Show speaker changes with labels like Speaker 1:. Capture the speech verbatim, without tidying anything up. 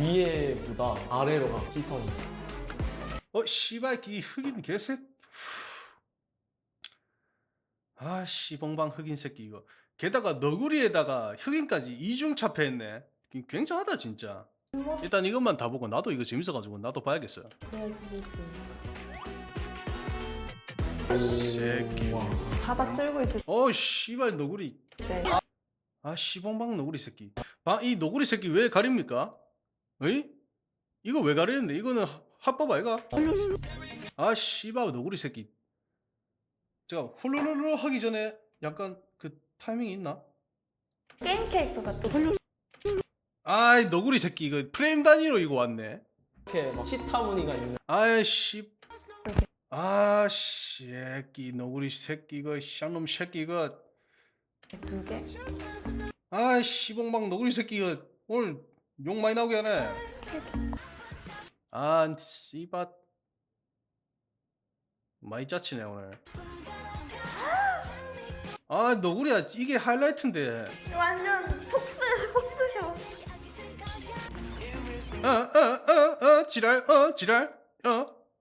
Speaker 1: 위에보다 아래로 가 시선이.
Speaker 2: 어 씨발 이 흑인 개새. 아 씨봉방 흑인 새끼 이거. 게다가 너구리에다가 흑인까지 이중 차폐했네. 굉장하다 진짜. 일단 이것만 다 보고 나도 이거 재밌어가지고 나도 봐야겠어요. 새끼.
Speaker 3: 바닥 쓸고 있을
Speaker 2: 어 씨발 너구리.
Speaker 3: 때
Speaker 2: 아 씨봉방 너구리 새끼. 아, 이 너구리 새끼 왜 가립니까? 어이? 이거 왜 가리는데? 이거는 하- 합법 아이가? 아 씨발 너구리 새끼. 제가 훌루루루 하기 전에 약간 그 타이밍이 있나?
Speaker 3: 게임 캐릭터가 또
Speaker 2: 아이 너구리 새끼 이거 프레임 단위로 이거 왔네.
Speaker 1: 이렇게 막 시타 무늬가 있는.
Speaker 2: 아이씨. 아 새끼 너구리 새끼 이거 쌍놈 새끼 이거.
Speaker 3: 두 개.
Speaker 2: 아이 씨봉방 너구리 새끼 이거 오늘 욕 많이 나오게 하네. 아 씨발 많이 짜치네 오늘. 아 너구리야 이게 하이라이트인데.
Speaker 3: 완전 폭스 폭스쇼.
Speaker 2: 어어어어 지랄 어 지랄 어